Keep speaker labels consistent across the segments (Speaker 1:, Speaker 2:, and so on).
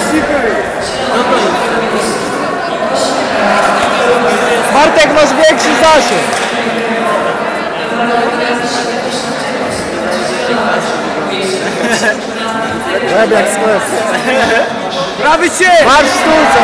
Speaker 1: Bartek, masz większy zasięg. Łeb jak sklep.
Speaker 2: Prawy się!
Speaker 1: Marsz w stójce.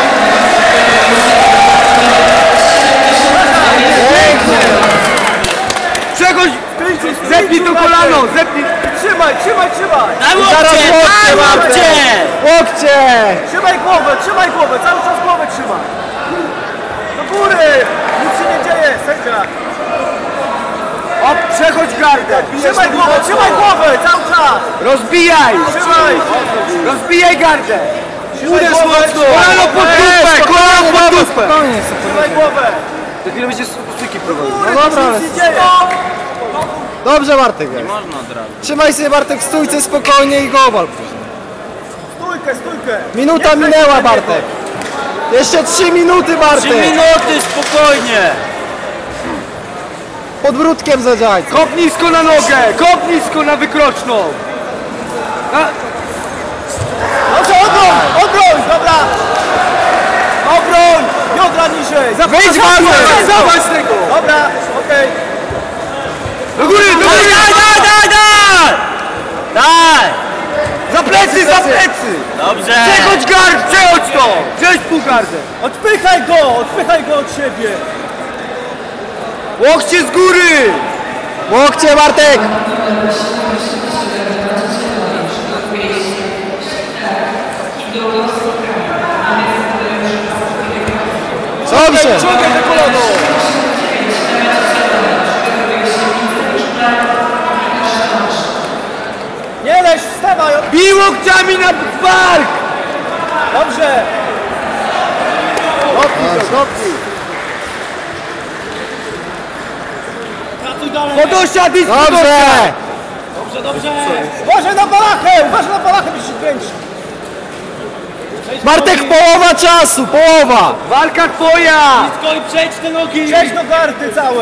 Speaker 1: Pięknie.
Speaker 2: Przechodź! Zepnij to kolano! Zepnij! Trzymaj!
Speaker 1: Daj łokcie! Łokcie!
Speaker 2: Trzymaj głowę! Cały czas głowę trzymaj! Do góry! Nic się nie dzieje, sędzia! O, przechodź gardę! Trzymaj głowę! Cały czas! Rozbijaj! Rozbijaj gardę! Uderz mocno! Kolano pod dupę! Trzymaj głowę! Za chwilę będzie stójki prowadził.
Speaker 1: No dobra, ale... Dobrze, Bartek. Nie można od razu. Trzymaj sobie, Bartek, w stójce spokojnie i go wal później.
Speaker 2: Stójkę!
Speaker 1: Minuta minęła, Bartek. Jeszcze 3 minuty, Bartek.
Speaker 3: 3 minuty, spokojnie.
Speaker 1: Podbródkiem zadziałaj.
Speaker 2: Kop nisko na nogę! Kop nisko na wykroczną! Dobrze, obroń! Dobra! Obroń! Biodra niżej!
Speaker 1: Wyjdź, Bartek!
Speaker 2: Zobacz tego! Dobra, okej. Do góry!
Speaker 3: Daj!
Speaker 2: Za plecy!
Speaker 3: Dobrze.
Speaker 2: Przechodź to! Przechodź pół gardę! Odpychaj go od siebie! Łokcie z góry!
Speaker 1: Łokcie, Bartek! Dobrze!
Speaker 2: Ciągaj te kolano! Nie leź, wstawaj! Bij łokciami na bark! Dobrze! Kopnij! Podosiad i
Speaker 1: Dobrze!
Speaker 2: Uważaj na balachę, byś się kręci!
Speaker 1: Bartek, połowa czasu, połowa!
Speaker 2: Walka twoja!
Speaker 3: Blisko i przejdź te nogi!
Speaker 2: Przejdź do gardy całe!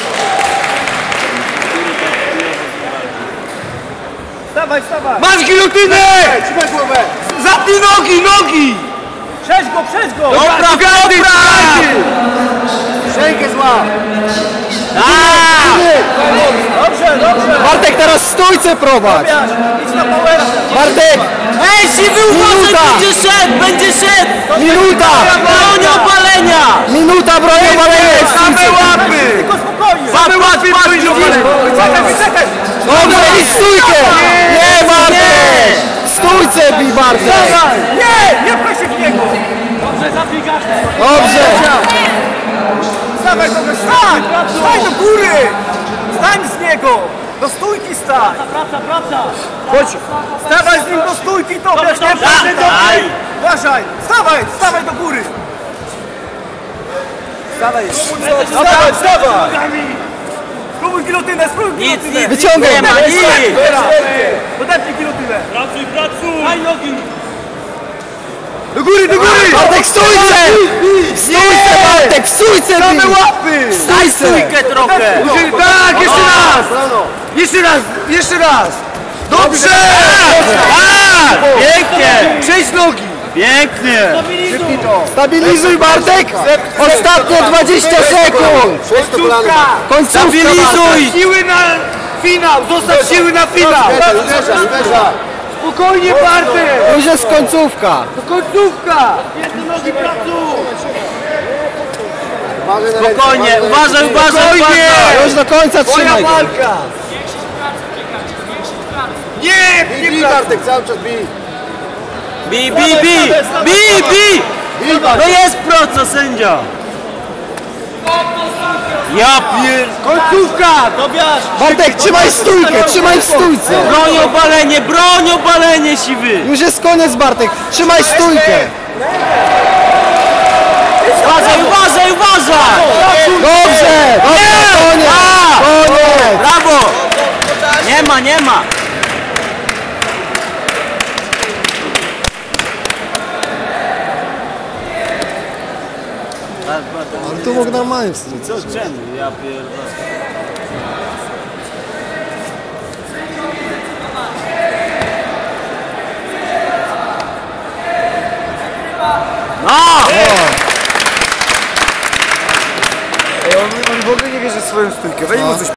Speaker 2: Wstawaj!
Speaker 1: Masz gilotynę!
Speaker 2: Trzymaj głowę!
Speaker 1: Zapnij nogi!
Speaker 2: Przejdź go!
Speaker 1: Dobra!
Speaker 2: Szejkę zła! Dobrze!
Speaker 1: Bartek, teraz w stójce prowadź!
Speaker 2: Idź na powera!
Speaker 1: Bartek!
Speaker 3: Ej, siwy uważaj, będzie szedł!
Speaker 1: Minuta!
Speaker 3: Broń obalenia!
Speaker 1: Minuta broni obalenia!
Speaker 2: Same łapy! Tylko spokojnie! Same łapy broni obalenia! Wyczekaj!
Speaker 1: Dobrze, i stójkę! Nie, Bartek! W stójce bij, Bartek!
Speaker 2: Nie pchaj się w niego! Dobrze, zabiegasz!
Speaker 1: Dobrze!
Speaker 2: Stawaj kogoś, stań do góry! Stań z niego! Do stójki stań! Praca! Chodź! Stawaj z nim do stójki, to wiesz, nie proszę do góry! Uważaj! Stawaj do góry! Stawaj! Spróbuj gilotynę!
Speaker 1: Wyciągaj!
Speaker 3: Nie ma nic!
Speaker 2: Podepnij gilotynę!
Speaker 3: Pracuj! Daj nogi!
Speaker 2: Do góry!
Speaker 1: Bartek, w stójce! W stójce, Bartek, w stójce bij!
Speaker 2: Same łapy!
Speaker 3: Daj stójkę trochę!
Speaker 2: Tak, jeszcze raz! Dobrze!
Speaker 3: Tak! Pięknie!
Speaker 2: Przejdź nogi!
Speaker 3: Pięknie!
Speaker 1: Stabilizuj, Bartek! Ostatnie 20 sekund! Końcówka!
Speaker 3: Stabilizuj!
Speaker 2: Siły na finał! Zostaw siły na finał! Spokojnie, Bartek!
Speaker 1: Już jest końcówka!
Speaker 2: To końcówka!
Speaker 3: Spokojnie, uważaj!
Speaker 1: Już do końca
Speaker 2: Twoja
Speaker 1: trzymaj go!
Speaker 2: walka! Nie, Bartek, cały czas bij!
Speaker 3: Bij! No jest proco, sędzia! Ja pier...
Speaker 2: Końcówka!
Speaker 1: Bartek, trzymaj stójkę, trzymaj w stójce!
Speaker 3: Broń obalenie, siwy!
Speaker 1: Już jest koniec, Bartek, trzymaj stójkę!
Speaker 3: Uważaj!
Speaker 1: Dobrze! Koniec! Koniec!
Speaker 3: Brawo! Nie ma!
Speaker 1: Ale tu mógł normalnie w stójce.
Speaker 3: Ja pierdolę.
Speaker 2: Ej, on w ogóle nie wierzy w swoją stójkę. Weź mu coś